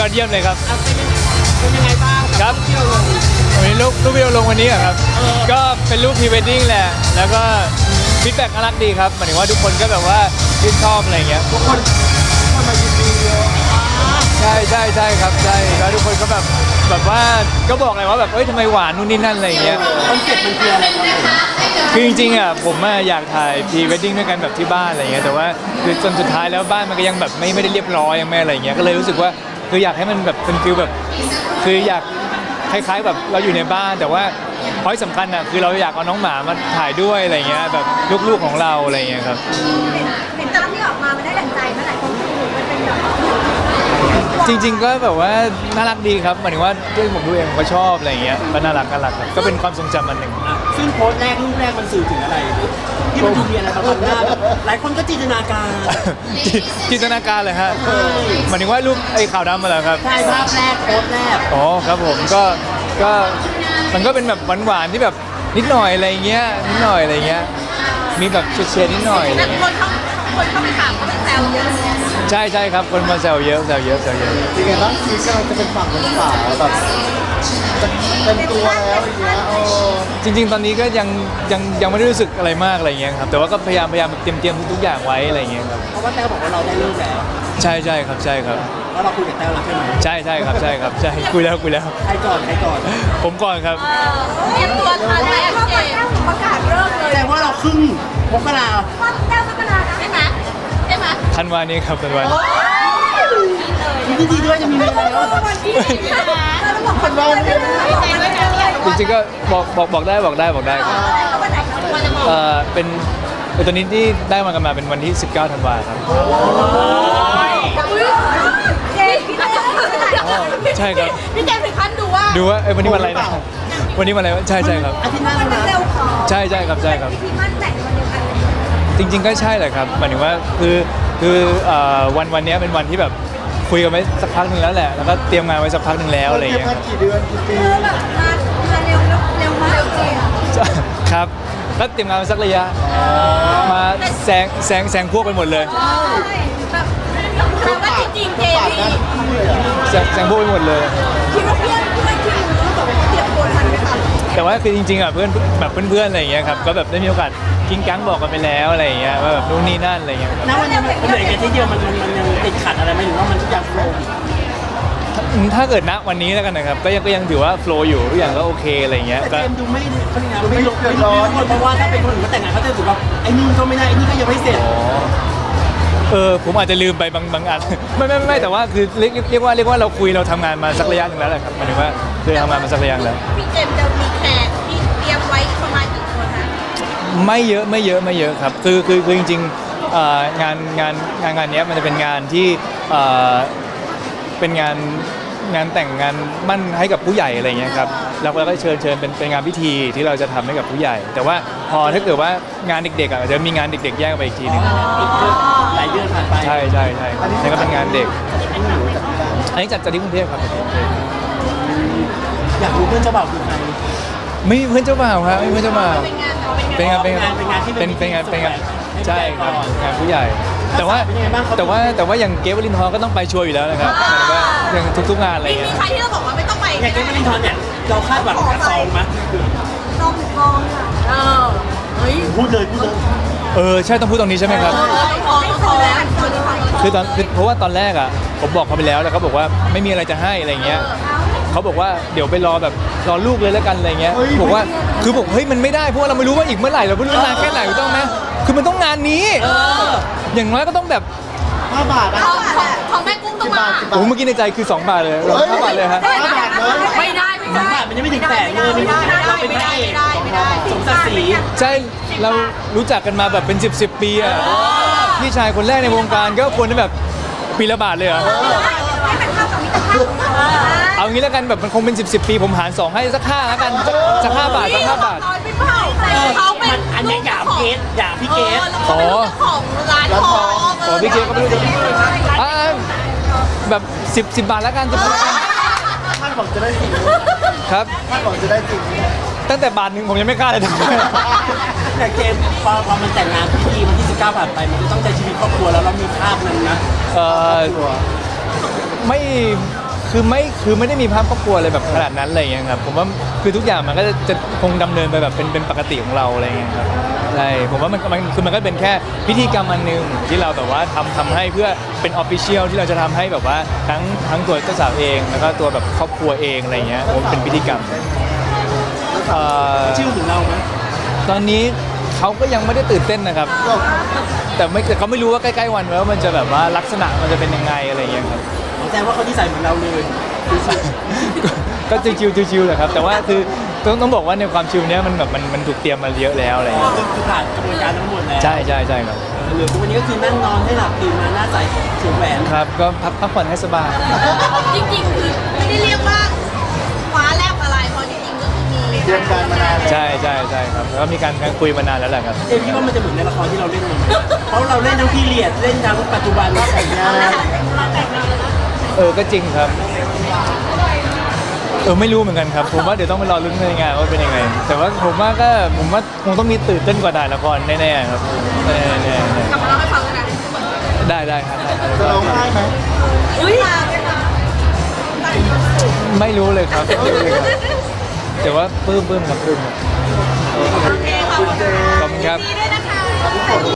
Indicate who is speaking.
Speaker 1: อดเยี่ยมเลยครับ
Speaker 2: เป็นยังไงบ้าง
Speaker 1: ครับ
Speaker 2: ที่เราลง
Speaker 1: วันนี้รูปวิดีโอลงวันนี้อะครับก็เป็นรูปพรีเวดดิ้งแหละแล้วก็ฟีดแบ็กน่ารักดีครับหมายถึงว่าทุกคนก็แบบว่าชื่นชอบอะไรเงี้ย
Speaker 2: ทุกคนมายินดีเยอะ
Speaker 1: ใช่ครับใช่แล้วทุกคนก็แบบว่าก็บอกเลยว่าแบบเอ้ยทำไมหวานนู่นนี่นั่นอะไรเงี้ย
Speaker 2: คอนเซ็ปต์มันคืออะไรครับผม
Speaker 1: คือจริงๆอ่ะผมอยากถ่ายพรีเวดดิ้งด้วยกันแบบที่บ้านอะไรเงี้ยแต่ว่าคือจนสุดท้ายแล้วบ้านมันก็ยังแบบไม่ได้เรียบร้อยยังไม่อะไรเงี้ยก็เลยรู้สึกว่าคืออยากให้มันแบบเป็นฟิลแบบคืออยากคล้ายๆแบบเราอยู่ในบ้านแต่ว่าพอยสำคัญอ่ะคือเราอยากเอาน้องหมามาถ่ายด้วยอะไรเงี้ยแบบลูกๆของเราอะไรเงี้ยครับ
Speaker 3: เห็นตอนที่ออกมามันได้ดั่งใจเมื่อไหร่คนดูมันเป็นแบบ
Speaker 1: จริงๆก็แบบว่าน่ารักดีครับหมายถึงว่าที่ผมดูเองผมก็ชอบอะไรเงี้ยก็น่ารักครับก็เป็นความทรงจำอันหนึ่ง
Speaker 2: ซึ่งโพสต์แรกรูปแรกมันสื่อถึงอะไรที่มันดูมีอะไรบางหน้าแบบหลายคนก็จินตนาการ
Speaker 1: จินตนาการเลยฮะหมายถึงว่ารูปไอ้ขาวดำมาเหรอครับ
Speaker 2: ใช่ภาพแรกโพสต์แรก
Speaker 1: อ๋อครับผมก็มันก็เป็นแบบหวานๆที่แบบนิดหน่อยอะไรเงี้ยนิดหน่อยอะไรเงี้ยมีแบบเฉดๆนิดหน่อยอะไร
Speaker 3: แต่
Speaker 1: เงี้ย
Speaker 3: คนเข้าไปถามก็เป็นแซวเยอะเลย
Speaker 1: ใช่ครับคนมาแซวเยอะแซวเยอะ
Speaker 4: ยังไงบ้างชีวิตกำลังจะเป็นฝั่งเป็นฝาแบบเต็มตัวแล้วอย่างเงี้ย
Speaker 1: จริง ๆ ตอนนี้ก็ยังไม่ได้รู้สึกอะไรมากอะไรเงี้ยครับแต่ว่าก็พยายามแบบเตรียมทุกอย่างไว้อะไรเงี้ยครับ
Speaker 2: เพราะว่าแต้วบอกว่าเราได้เลิกแล้ว
Speaker 1: ใช่ครับ
Speaker 2: แล้วเราคุยกับแต้วแล้วใช่ไหม
Speaker 1: ใช่ครับใช่คุยแล้ว
Speaker 2: ใครก่อน
Speaker 1: ผมก่อนครับ
Speaker 3: เตรียมตัวทันไหมเจ๊ประกาศเริ่มเลย
Speaker 2: แต่ว่าเราครึ่งมกรา
Speaker 3: ว่าแต้วพัฒนาใช่ไหมใช่ไหม
Speaker 1: ธันวานี้ครับธันวานี้
Speaker 2: ยินดีด้วยจะมีเวลาแล้ว
Speaker 3: วันที่เราบอกคนเราใจด้วยนะ
Speaker 1: จริงๆก็บอกได้ครับ
Speaker 3: วันไหนวันจะบอก
Speaker 1: เป็นตัวนี้ที่ได้มากันมาเป็นวันที่ 19 ธันวาครับ
Speaker 3: เจ๊พี่แจ๊ค
Speaker 1: ใช่ครับ
Speaker 3: พี่แจ๊คถึงขั้นดูว่า
Speaker 1: ดูว่าวันนี้วันอะไรนะวันนี้วันอะไรวะใช่ครับ
Speaker 2: อาทิตย์หน้า
Speaker 3: มัน
Speaker 2: แล้วนะ
Speaker 3: เร็วขอ
Speaker 1: ใช่ครับ
Speaker 3: พิธีมั่นแต่งวันเดียวกันเลย
Speaker 1: จริงๆก็ใช่แหละครับหมายถึงว่าคือวันนี้เป็นวันที่แบบคุยกันไว้สักพักหนึ่งแล้วแหละแล้วก็เตรียมงานไว้สักพักหนึ่งแล้วอะไรอย่าง
Speaker 4: เก็บ
Speaker 1: เงี้ย
Speaker 4: มากี่เดือนกี่ปี
Speaker 3: แบบมาเร็วมากจริง
Speaker 1: ครับก็เตรียมงานไว้สักระยะมาแซงพวกไปหมดเลย
Speaker 3: แบบแปลว่าจริงๆเจพี่
Speaker 1: แซงพวกไปหมดเลย
Speaker 3: คิดว่าเพื่อนที่รู้แบบว่าเตรียมตัวทันไหมคะ
Speaker 1: แต่ว่าคือจริงๆอ่ะเพื่อนแบบเพื่อนๆอะไรอย่างเงี้ยครับก็แบบได้มีโอกาสกิ้งกังบอกกันไปแล้วอะไรอย่างเงี้ยว่าแบบนู่นนี่นั่นอะไรอย่างเงี้ยครับ
Speaker 2: ณวันนี้มันเหนื่อยกันที่เดียวมันยังติดขัดอะไรไหมหรือว่ามันทุกอย่างโฟล์
Speaker 1: ถ้าเกิดณวันนี้แล้วกันนะครับก็ยังถือว่าโฟล์อยู่ทุกอย่างก็โอเคอะไรอย่างเงี้ย
Speaker 2: แต่
Speaker 1: ก็
Speaker 2: เจมส์ดูไม่เขาเรียกไงไม่ร้อนเพราะว่าถ้าเป็นคนอื่นเขาแต่งงานเขาจะรู้สึกว่าไอ้นี่ก็ไม่ได้ไอ้นี่ก็ยังไม่เสร็จ
Speaker 1: ผมอาจจะลืมไปบางอัน ไม่แต่ว่าคือเรียกว่าเราคุยเราทำงานมาสักระยะหนึ่งแล้วแหละครับหมายถึงว่าคือทำงานมาสักระยะแล้ว
Speaker 3: พี่เจมส์จะมีแขกที่เตรียมไว้ประมาณกี่คนคะ
Speaker 1: ไม่เยอะครับคือจริงๆงานเนี้ยมันจะเป็นงานที่เป็นงานแต่งงานมั่นให้กับผู้ใหญ่อะไรเงี้ยครับแล้วเราก็เชิญเป็นงานพิธีที่เราจะทำให้กับผู้ใหญ่ แต่ว่าพอถ้าเกิดว่างานเด็กๆอ่ะจะมีงานเด็กๆแยกไปอีกทีหนึง
Speaker 2: หลายเดือนผ่านไป
Speaker 1: ใช่นี่ก็เป็นงานเด็กอันนี้จัดที่กรุงเทพครับ
Speaker 2: อยากรู้เพื่อนเจ้าบ่าวคือใคร
Speaker 1: ไม่มีเพื่อนเจ้าบ่าวครับไม่มีเพื่อนเจ้าบ่าว
Speaker 3: เป็นงานเอาเป็นงาน
Speaker 1: เป็นงาน
Speaker 2: ที่
Speaker 1: เป็นงานใช่ครับงานผู้ใหญ่ แต่ว่าอย่างเกฟวลินทร์ก็ต้องไปชัวร์อยู่แล้วนะครับหมายถึงว่าอย่างทุกๆงานอะไร
Speaker 3: มี
Speaker 1: เงี้ย
Speaker 3: ใครที่เราบอกว่าไม่ต้องไป
Speaker 2: อย่างเกมไม่ได้ทอนเนี่ยเราคาดหวังกับซองไหม
Speaker 3: ต้องถึงทองค่ะเฮ้ย
Speaker 2: พูดเลย
Speaker 1: ใช่ต้องพูดตรงนี้ใช่ไหมครับ
Speaker 3: ทองแล้ว
Speaker 1: คือเพราะว่าตอนแรกอ่ะผมบอกเขาไปแล้วเขาบอกว่าไม่มีอะไรจะให้อะไรเงี้ยเขาบอกว่าเดี๋ยวไปรอลูกเลยแล้วกันอะไรเงี้ยบอกว่าคือบอกเฮ้ยมันไม่ได้เพราะว่าเราไม่รู้ว่าอีกเมื่อไหร่เราไม่รู้นานแค่ไหนถูกต้องไหมคือมันต้องงานนี้อย่างน้อยก็ต้องแบบ
Speaker 4: 5 บาทนะ
Speaker 3: ของแม่กุ้งต้องมา
Speaker 1: โอ้เมื่อกี้ในใจคือ2 บาทเลยเรา5 บาทเลยฮะ
Speaker 3: ไม่ได้
Speaker 2: มันยังไม่ถึงแสนเลยเราเป็นพระเอกสมศักดิ์ศรี
Speaker 1: ใช่เรารู้จักกันมาแบบเป็น10 ปีอ่ะพี่ชายคนแรกในวงการก็ควรจะแบบปีละบาทเลยเหรอ
Speaker 3: ให้มันเข้ากับมิตรภาพ
Speaker 1: เอางี้แล้วกันแบบมันคงเป็น10 ปีผมหาร2ให้สัก5แล้วกันสัก5 บาทสัก5 บาท
Speaker 3: ไม่เผาเขาเป็น
Speaker 2: อันนี้อย่าพี่เกส
Speaker 3: ของร้านทอง
Speaker 1: อ๋อพี่เกก็ไม่รู้จะแบบ10 บาทแล้วกัน10 บาทแล้วกัน
Speaker 4: คาดหวังจะได้จริง
Speaker 1: ครับ
Speaker 4: คาดหวังจะได้จริง
Speaker 1: ตั้งแต่บาทหนึ่งผมยังไม่กล้าเลย
Speaker 2: แต่เกมพอมันแต่งงานพิธีมันที่19ผ่านไปมันจะต้องใช้ชีวิตครอบครัวแล้วเรามีภาพนั้นนะ
Speaker 1: ไม่คือไม่ได้มีภาพครอบครัวอะไรแบบขนาดนั้นอะไรอย่างเงี้ยครับผมว่าคือทุกอย่างมันก็จะคงดำเนินไปแบบเป็นปกติของเราอะไรอย่างเงี้ยครับใช่ผมว่ามันคือมันก็เป็นแค่พิธีกรรมอันหนึ่งที่เราแบบว่าทำให้เพื่อเป็นออฟฟิเชียลที่เราจะทำให้แบบว่าทั้งตัวเจ้าสาวเองแล้วก็ตัวแบบครอบครัวเองอะไรอย่างเงี้ยผมว่าเป็นพิธีกรรมเอ่อ
Speaker 2: ชื่อถึงเราไหม
Speaker 1: ตอนนี้เขาก็ยังไม่ได้ตื่นเต้นนะครับ แต่เขาไม่รู้ว่าใกล้ๆวันว่ามันจะแบบว่าลักษณะมันจะเป็นยังไงอะไรอย่างเงี้ยครับ
Speaker 2: แสดงว่าเขาที่ใส่เหมือนเราเลย
Speaker 1: ก็ชิวๆแหละครับ แต่ว่าคือต้องบอกว่าในความชิวเนี้ยมันแบบมันถูกเตรียมมาเยอะแล้วอะไรอย่างเงี้ย
Speaker 2: คือผ่านกระบวนการทั้งหมดแล้ว
Speaker 1: ใช่ครับ
Speaker 2: เหลือทุกวันนี้ก็คือนั่งนอนให้หลับตื่นมาหน้าใสสวมแหวน
Speaker 1: ครับก็พักผ่อนให้สบาย
Speaker 3: จริงๆคือไม่ได้เรียกว่าคว้าแลบอะไรเพราะจริงๆก็คือมี
Speaker 4: เตรียมการมานานแล้ว
Speaker 1: ใช่ครับแล้วก็มีการคุยมานานแล้วแหละครับ
Speaker 2: เอ็มคิดว่ามันจะเหมือนในละครที่เราเล่นมั้ยเพราะเราเล่นทั้งพีเรียดเล่นทั้งปัจจุบันว่าแต่งงาน
Speaker 1: ก็จริงครับไม่รู้เหมือนกันครับ ผมว่าเดี๋ยวต้องไปรอลุ้นในงานว่าเป็นยังไง แต่ว่าผมว่าคงต้องมีตื่นเต้นกว่าถ่ายละครแน่ๆครับแน่
Speaker 3: กลับมาเล่าให้ฟังกันนะ
Speaker 1: ๆได้ครับ
Speaker 4: จะร้องไห้ไหม
Speaker 3: อุ้ย
Speaker 1: ไม่รู้เลยครับ แต่ว่าปลื้มครับ
Speaker 3: โอเคขอบคุณ
Speaker 1: ขอบคุณครับ
Speaker 3: ดีด้วยนะคะ